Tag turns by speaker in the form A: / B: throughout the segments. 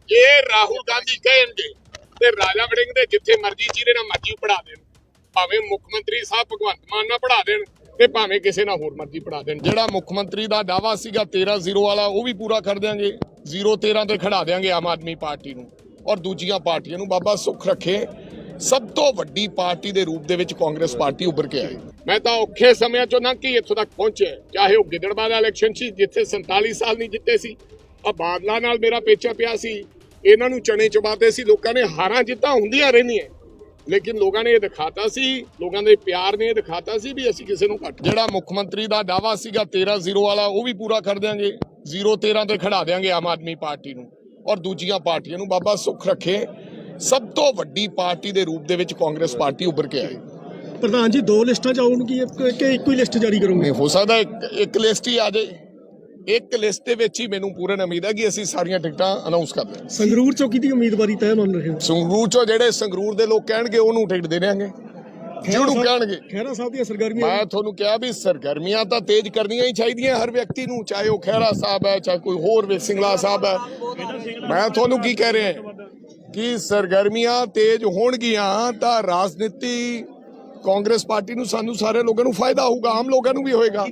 A: ਜੇ ਰਾਹੁਲ ਗਾਂਧੀ ਕਹਿਣਗੇ ਤੇ ਰਾਜਾ ਵੜਿੰਗ ਦੇ ਜਿੱਥੇ ਮਰਜ਼ੀ ਜਿਹਦੇ ਨਾਲ ਮਰਜ਼ੀ ਪੜਾ ਦੇਣ, ਭਾਵੇਂ ਮੁੱਖ ਮੰਤਰੀ ਸਾਹਿਬ ਭਗਵੰਤ ਮਾਨ ਨਾਲ ਪੜਾ ਦੇਣ ਤੇ ਭਾਵੇਂ ਕਿਸੇ ਨਾਲ ਹੋਰ ਮਰਜ਼ੀ ਪੜਾ ਦੇਣ। ਜਿਹੜਾ ਮੁੱਖ ਮੰਤਰੀ ਦਾ ਦਾਵਾ ਸੀਗਾ 13-0 ਵਾਲਾ ਉਹ ਵੀ ਪੂਰਾ ਕਰ ਦਿਆਂਗੇ। 0-13 ਤੇ ਖੜਾ ਦਿਆਂਗੇ ਆਮ ਆਦਮੀ ਪਾਰਟੀ ਨੂੰ ਔਰ ਦੂਜੀਆਂ ਪਾਰਟੀਆਂ ਨੂੰ। ਬਾਬਾ ਸੁੱਖ ਰੱਖੇ, ਸਭ ਤੋਂ ਵੱਡੀ ਪਾਰਟੀ ਦੇ ਰੂਪ ਦੇ ਵਿੱਚ ਕਾਂਗਰਸ ਪਾਰਟੀ ਉੱਭਰ ਕੇ ਆਈ। ਮੈਂ ਤਾਂ ਔਖੇ ਸਮਿਆਂ ਚੋਂ ਲੰਘ ਕੇ ਇੱਥੋਂ ਤੱਕ ਪਹੁੰਚਿਆ, ਚਾਹੇ ਉਹ ਗਿੱਦੜਬਾਹਾ ਦਾ ਇਲੈਕਸ਼ਨ ਸੀ ਜਿੱਥੇ 47 ਸਾਲ ਨਹੀਂ ਜਿੱਤੇ ਸੀ, ਆ ਬਾਦਲਾਂ ਨਾਲ ਮੇਰਾ ਪੇਚਾ ਪਿਆ ਸੀ, ਇਹਨਾਂ ਨੂੰ ਚਣੇ ਚਬਾਤੇ ਸੀ। ਲੋਕਾਂ ਨੇ ਹਾਰਾਂ ਜਿੱਤਾਂ ਹੁੰਦੀਆਂ ਰਹਿੰਦੀਆਂ, ਲੇਕਿਨ ਲੋਕਾਂ ਨੇ ਇਹ ਦਿਖਾਤਾ ਸੀ, ਲੋਕਾਂ ਦੇ ਪਿਆਰ ਨੇ ਇਹ ਦਿਖਾਤਾ ਸੀ ਵੀ ਅਸੀਂ ਕਿਸੇ ਨੂੰ ਘੱਟ। ਜਿਹੜਾ ਮੁੱਖ ਮੰਤਰੀ ਦਾ ਦਾਵਾ ਸੀਗਾ 13-0 ਵਾਲਾ ਉਹ ਵੀ ਪੂਰਾ ਕਰ ਦਿਆਂਗੇ। 0-13 ਤੇ ਖੜਾ ਦਿਆਂਗੇ ਆਮ ਆਦਮੀ ਪਾਰਟੀ ਨੂੰ ਔਰ ਦੂਜੀਆਂ ਪਾਰਟੀਆਂ ਨੂੰ। ਬਾਬਾ ਸੁੱਖ ਰੱਖੇ, ਸਭ ਤੋਂ ਵੱਡੀ ਪਾਰਟੀ ਦੇ ਰੂਪ ਦੇ ਵਿੱਚ ਕਾਂਗਰਸ ਪਾਰਟੀ ਉੱਭਰ ਕੇ ਆਈ।
B: ਪ੍ਰਧਾਨ ਜੀ 2 ਲਿਸਟਾਂ ਚਾਹੋਗੇ ਕਿ ਇੱਕੋ ਹੀ ਲਿਸਟ ਜਾਰੀ ਕਰੋਗੇ?
A: ਨਹੀਂ ਹੋ ਸਕਦਾ ਇੱਕ ਲਿਸਟ ਹੀ ਆ ਜਾਏ। ਇੱਕ ਲਿਸਟ ਦੇ ਵਿੱਚ ਹੀ ਮੈਨੂੰ ਪੂਰਨ ਉਮੀਦ ਹੈ ਕਿ ਅਸੀਂ ਸਾਰੀਆਂ ਟਿਕਟਾਂ ਅਨਾਉਂਸ ਕਰ ਦਿਆਂਗੇ।
B: ਸੰਗਰੂਰ ਚੋਂ ਕਿਹਦੀ ਉਮੀਦਵਾਰੀ ਤੈਅ ਮੰਨ ਰਹੇ ਹੋ?
A: ਸੰਗਰੂਰ ਚੋਂ ਜਿਹੜੇ ਸੰਗਰੂਰ ਦੇ ਲੋਕ ਕਹਿਣਗੇ ਉਹਨੂੰ ਟਿਕਟ ਦੇ ਦਿਆਂਗੇ, ਜਿਹਨੂੰ ਕਹਿਣਗੇ।
B: ਖਹਿਰਾ ਸਾਹਿਬ ਦੀਆਂ ਸਰਗਰਮੀਆਂ,
A: ਮੈਂ ਤੁਹਾਨੂੰ ਕਿਹਾ ਵੀ ਸਰਗਰਮੀਆਂ ਤਾਂ ਤੇਜ਼ ਕਰਨੀਆਂ ਹੀ ਚਾਹੀਦੀਆਂ ਹਰ ਵਿਅਕਤੀ ਨੂੰ, ਚਾਹੇ ਉਹ ਖਹਿਰਾ ਸਾਹਿਬ ਹੈ ਚਾਹੇ ਕੋਈ ਹੋਰ ਸਿੰਗਲਾ ਸਾਹਿਬ ਹੈ। ਮੈਂ ਤੁਹਾਨੂੰ ਕੀ ਕਹਿ ਰਿਹਾ ਕਿ ਸਰਗਰਮੀਆਂ ਤੇਜ਼ ਹੋਣਗੀਆਂ ਤਾਂ ਰਾਜਨੀਤੀ ਕਾਂਗਰਸ ਪਾਰਟੀ ਨੂੰ, ਸਾਨੂੰ ਸਾਰੇ ਲੋਕਾਂ ਨੂੰ ਫਾਇਦਾ ਹੋਊਗਾ, ਆਮ ਲੋਕਾਂ ਨੂੰ ਵੀ ਹੋਏਗਾ।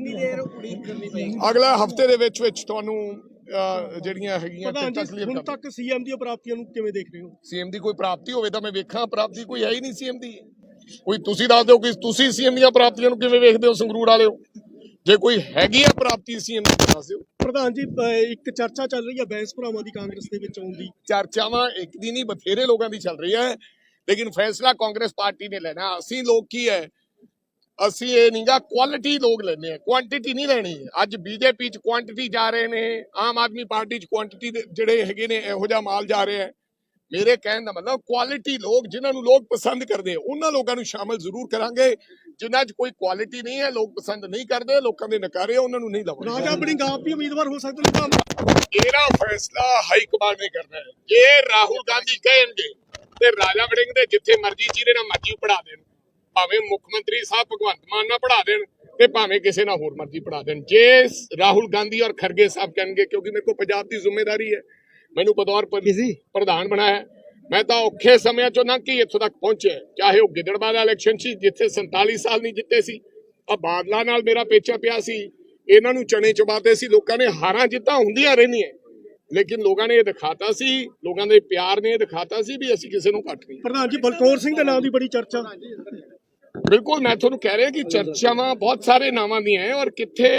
A: ਅਗਲਾ ਹਫਤੇ ਦੇ ਵਿੱਚ ਤੁਹਾਨੂੰ ਜਿਹੜੀਆਂ ਹੈਗੀਆਂ
B: ਹੁਣ ਤੱਕ ਸੀਐਮ ਦੀਆਂ ਪ੍ਰਾਪਤੀਆਂ ਨੂੰ ਕਿਵੇਂ ਦੇਖ ਰਹੇ ਹੋ?
A: ਸੀਐਮ ਦੀ ਕੋਈ ਪ੍ਰਾਪਤੀ ਹੋਵੇ ਤਾਂ ਮੈਂ ਵੇਖਾਂ, ਪ੍ਰਾਪਤੀ ਕੋਈ ਹੈ ਹੀ ਨਹੀਂ ਸੀਐਮ ਦੀ। ਕੋਈ ਤੁਸੀਂ ਦੱਸ ਦਿਓ ਕਿ ਤੁਸੀਂ ਸੀਐਮ ਦੀਆਂ ਪ੍ਰਾਪਤੀਆਂ ਨੂੰ ਕਿਵੇਂ ਵੇਖਦੇ ਹੋ ਸੰਗਰੂਰ ਵਾਲਿਓ? ਜੇ ਕੋਈ ਹੈਗੀ ਆ ਪ੍ਰਾਪਤੀ ਸੀਐਮ ਦੀ ਦੱਸ ਦਿਓ।
B: ਪ੍ਰਧਾਨ ਜੀ ਇੱਕ ਚਰਚਾ ਚੱਲ ਰਹੀ ਹੈ ਬੈਂਸ ਭਰਾਵਾਂ ਦੀ ਕਾਂਗਰਸ ਦੇ ਵਿੱਚ ਆਉਣ ਦੀ।
A: ਚਰਚਾਵਾਂ ਇੱਕ ਦੀ ਨਹੀਂ ਬਥੇਰੇ ਲੋਕਾਂ ਦੀ ਚੱਲ ਰਹੀ ਹੈ, ਲੇਕਿਨ ਫੈਸਲਾ ਕਾਂਗਰਸ ਪਾਰਟੀ ਨੇ ਲੈਣਾ। ਅਸੀਂ ਲੋਕ ਕੀ ਹੈ, ਅਸੀਂ ਇਹ ਨਹੀਂਗਾ ਕੁਆਲਿਟੀ ਲੋਕ ਲੈਣੇ ਆ, ਕੁਆਂਟੀਟੀ ਨਹੀਂ ਲੈਣੀ। ਅੱਜ ਬੀਜੇਪੀ ਚ ਕੁਆਂਟੀਟੀ ਜਾ ਰਹੇ ਨੇ, ਆਮ ਆਦਮੀ ਪਾਰਟੀ ਚ ਕੁਆਂਟੀਟੀ ਜਿਹੜੇ ਹੈਗੇ ਨੇ ਇਹੋ ਜਿਹਾ ਮਾਲ ਜਾ ਰਿਹਾ ਹੈ। ਮੇਰੇ ਕਹਿਣ ਦਾ ਮਤਲਬ ਕੁਆਲਿਟੀ ਲੋਕ ਜਿਨ੍ਹਾਂ ਨੂੰ ਲੋਕ ਪਸੰਦ ਕਰਦੇ ਉਹਨਾਂ ਲੋਕਾਂ ਨੂੰ ਸ਼ਾਮਲ ਜ਼ਰੂਰ ਕਰਾਂਗੇ। ਜਿਨ੍ਹਾਂ 'ਚ ਕੋਈ ਕੁਆਲਿਟੀ ਨਹੀਂ ਹੈ, ਲੋਕ ਪਸੰਦ ਨਹੀਂ ਕਰਦੇ, ਲੋਕਾਂ ਦੇ ਨਕਾਰੇ, ਉਹਨਾਂ ਨੂੰ ਨਹੀਂ ਲਵਾਂਗੇ।
B: ਰਾਜਾ ਵੜਿੰਗ ਆਪ ਵੀ ਉਮੀਦਵਾਰ ਹੋ ਸਕਦੇ ਨੇ?
A: ਇਹਦਾ ਫੈਸਲਾ ਹਾਈ ਕਮਾਂਡ ਨੇ ਕਰਨਾ ਹੈ। ਜੇ ਰਾਹੁਲ ਗਾਂਧੀ ਕਹਿਣਗੇ ਤੇ ਰਾਜਾ ਵੜਿੰਗ ਦੇ ਜਿੱਥੇ ਮਰਜ਼ੀ ਜਿਹਦੇ ਨਾਲ ਮਰਜ਼ੀ ਪੜਾ ਦੇਣ, ਭਾਵੇਂ ਮੁੱਖ ਮੰਤਰੀ ਸਾਹਿਬ ਭਗਵੰਤ ਮਾਨ ਨਾਲ ਪੜਾ ਦੇਣ ਤੇ ਭਾਵੇਂ ਕਿਸੇ ਨਾਲ ਹੋਰ ਮਰਜ਼ੀ ਪੜਾ ਦੇਣ। ਜੇ ਰਾਹੁਲ ਗਾਂਧੀ ਔਰ ਖਰਗੇ ਸਾਹਿਬ ਕਹਿਣਗੇ, ਕਿਉਂਕਿ ਮੇਰੇ ਕੋਲ ਪੰਜਾਬ ਦੀ ਜ਼ਿੰਮੇਵਾਰੀ ਹੈ, ਮੈਨੂੰ ਬਤੌਰ ਪ੍ਰਧਾਨ ਬਣਾਇਆ, ਮੈਂ ਤਾਂ ਔਖੇ ਸਮਿਆਂ ਚੋਂ ਲੰਘ ਕੇ ਇੱਥੋਂ ਤੱਕ ਪਹੁੰਚਿਆ, ਚਾਹੇ ਉਹ ਗਿੱਦੜਬਾਹਾ ਦਾ ਇਲੈਕਸ਼ਨ ਸੀ ਜਿੱਥੇ 47 ਸਾਲ ਨਹੀਂ ਜਿੱਤੇ ਸੀ, ਆ ਬਾਦਲਾਂ ਨਾਲ ਮੇਰਾ ਪੇਚਾ ਪਿਆ ਸੀ, ਇਹਨਾਂ ਨੂੰ ਚਣੇ ਚਬਾਤੇ ਸੀ। ਲੋਕਾਂ ਨੇ ਹਾਰਾਂ ਜਿੱਤਾਂ ਹੁੰਦੀਆਂ ਰਹਿੰਦੀਆਂ, ਲੇਕਿਨ ਲੋਕਾਂ ਨੇ ਇਹ ਦਿਖਾਤਾ ਸੀ, ਲੋਕਾਂ ਦੇ ਪਿਆਰ ਨੇ ਇਹ ਦਿਖਾਤਾ ਸੀ ਵੀ ਅਸੀਂ ਕਿਸੇ ਨੂੰ ਘੱਟ ਨਹੀਂ।
B: ਪ੍ਰਧਾਨ ਜੀ ਬਲਕੌਰ ਸਿੰਘ ਦੇ ਨਾਮ ਦੀ ਬੜੀ ਚਰਚਾ।
A: ਬਿਲਕੁਲ, ਮੈਂ ਤੁਹਾਨੂੰ ਕਹਿ ਰਿਹਾ ਕਿ ਚਰਚਾਵਾਂ ਬਹੁਤ ਸਾਰੇ ਨਾਵਾਂ ਦੀਆਂ ਹੈ ਔਰ ਕਿੱਥੇ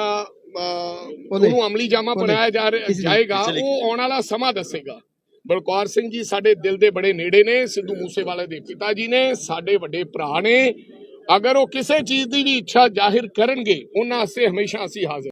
A: ਉਹਨੂੰ ਅਮਲੀ ਜਾਮਾ ਬਣਾਇਆ ਜਾਏਗਾ ਉਹ ਆਉਣ ਵਾਲਾ ਸਮਾਂ ਦੱਸੇਗਾ। ਬਲਕੌਰ ਸਿੰਘ ਜੀ ਸਾਡੇ ਦਿਲ ਦੇ ਬੜੇ ਨੇੜੇ ਨੇ, ਸਿੱਧੂ ਮੂਸੇਵਾਲੇ ਦੇ ਪਿਤਾ ਜੀ ਨੇ, ਸਾਡੇ ਵੱਡੇ ਭਰਾ ਨੇ। ਅਗਰ ਉਹ ਕਿਸੇ ਚੀਜ਼ ਦੀ ਵੀ ਇੱਛਾ ਜ਼ਾਹਿਰ ਕਰਨਗੇ ਉਹਨਾਂ ਵਾਸਤੇ ਹਮੇਸ਼ਾ ਅਸੀਂ ਹਾਜ਼ਰ।